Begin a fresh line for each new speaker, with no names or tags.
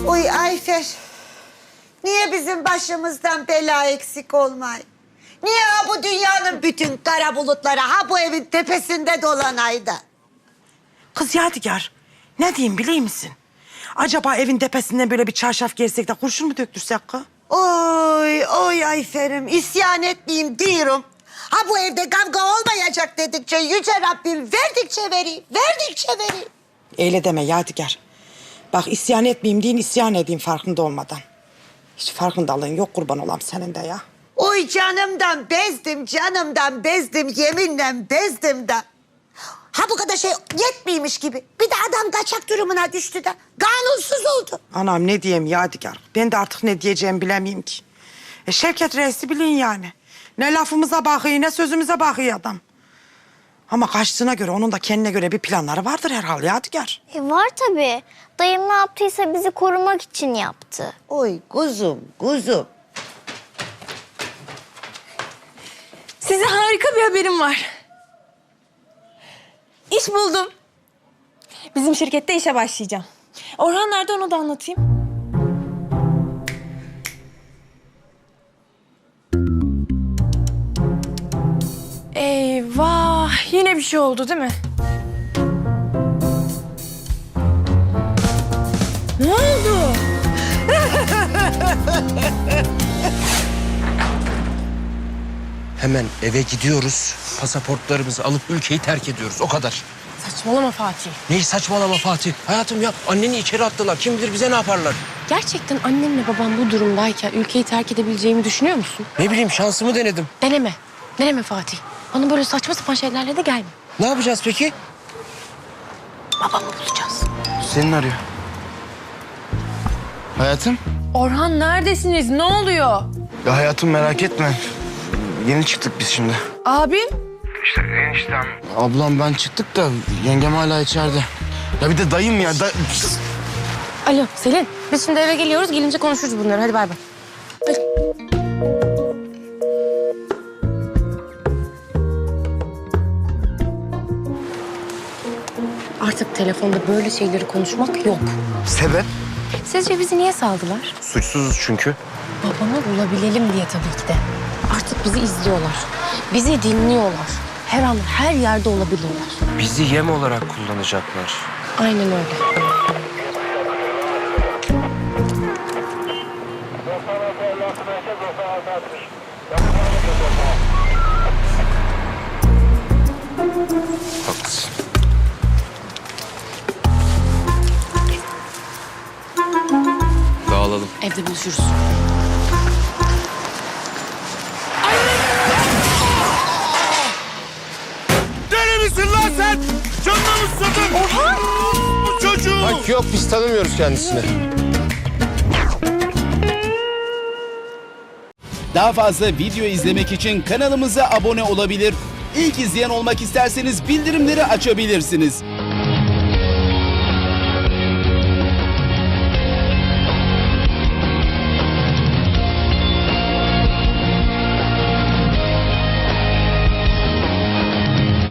Uy Ayfer. Niye bizim başımızdan bela eksik olmay? Niye ha bu dünyanın bütün kara bulutları ha bu evin tepesinde dolanaydı?
Kız Yadigar, ne diyeyim biliyor musun? Acaba evin tepesinden böyle bir çarşaf gersek de kurşun mu döktürsek kız?
Oy Ayfer'im isyan etmeyeyim diyorum. Ha bu evde kavga olmayacak dedikçe yüce Rabbim verdikçe vereyim, verdikçe vereyim.
Öyle deme Yadigar. Bak isyan etmeyeyim deyin, isyan edeyim farkında olmadan. Hiç farkındalığın yok kurban olam senin de ya.
Oy canımdan bezdim, yeminle bezdim de. Ha bu kadar şey yetmiymiş gibi. Bir de adam kaçak durumuna düştü de. Kanunsuz oldu.
Anam ne diyeyim Yadigar. Ben de artık ne diyeceğimi bilemeyeyim ki. Şevket Reis'i bilin yani. Ne lafımıza bakıyor ne sözümüze bakıyor adam. Ama kaçtığına göre onun da kendine göre bir planları vardır herhalde Yadigar.
Var tabii. Dayım ne yaptıysa bizi korumak için yaptı.
Oy kuzum.
Size harika bir haberim var. İş buldum. Bizim şirkette işe başlayacağım. Orhan nerede onu da anlatayım. Eyvah! Yine bir şey oldu değil mi? Ne oldu?
Hemen eve gidiyoruz. Pasaportlarımızı alıp ülkeyi terk ediyoruz. O kadar.
Saçmalama Fatih.
Neyi saçmalama Fatih? Hayatım ya anneni içeri attılar. Kim bilir bize ne yaparlar?
Gerçekten annemle babam bu durumdayken ülkeyi terk edebileceğimi düşünüyor musun?
Ne bileyim şansımı denedim.
Deneme. Deneme Fatih. Bana böyle saçma sapan şeylerle de gelme.
Ne yapacağız peki?
Babamı bulacağız.
Senin arıyor. Hayatım?
Orhan neredesiniz? Ne oluyor?
Ya hayatım merak etme. Yeni çıktık biz şimdi.
Abim?
Ablam ben çıktık da yengem hala içeride. Ya bir de dayım ya.
Alo Selin. Biz şimdi eve geliyoruz. Gelince konuşuruz bunları. Hadi bay bay. Artık telefonda böyle şeyleri konuşmak yok.
Sebep?
Sizce bizi niye saldılar?
Suçsuzuz çünkü.
Babamı bulabilelim diye tabii ki de. Artık bizi izliyorlar. Bizi dinliyorlar. Her an her yerde olabilirler.
Bizi yem olarak kullanacaklar.
Aynen öyle.
Haklısın.
Dağılalım.
Evde buluşuruz.
Deli misin lan sen? Canına mı susadın? Orhan! Bu çocuğu!
Bak yok biz tanımıyoruz kendisini.
Daha fazla video izlemek için kanalımıza abone olabilir. İlk izleyen olmak isterseniz bildirimleri açabilirsiniz.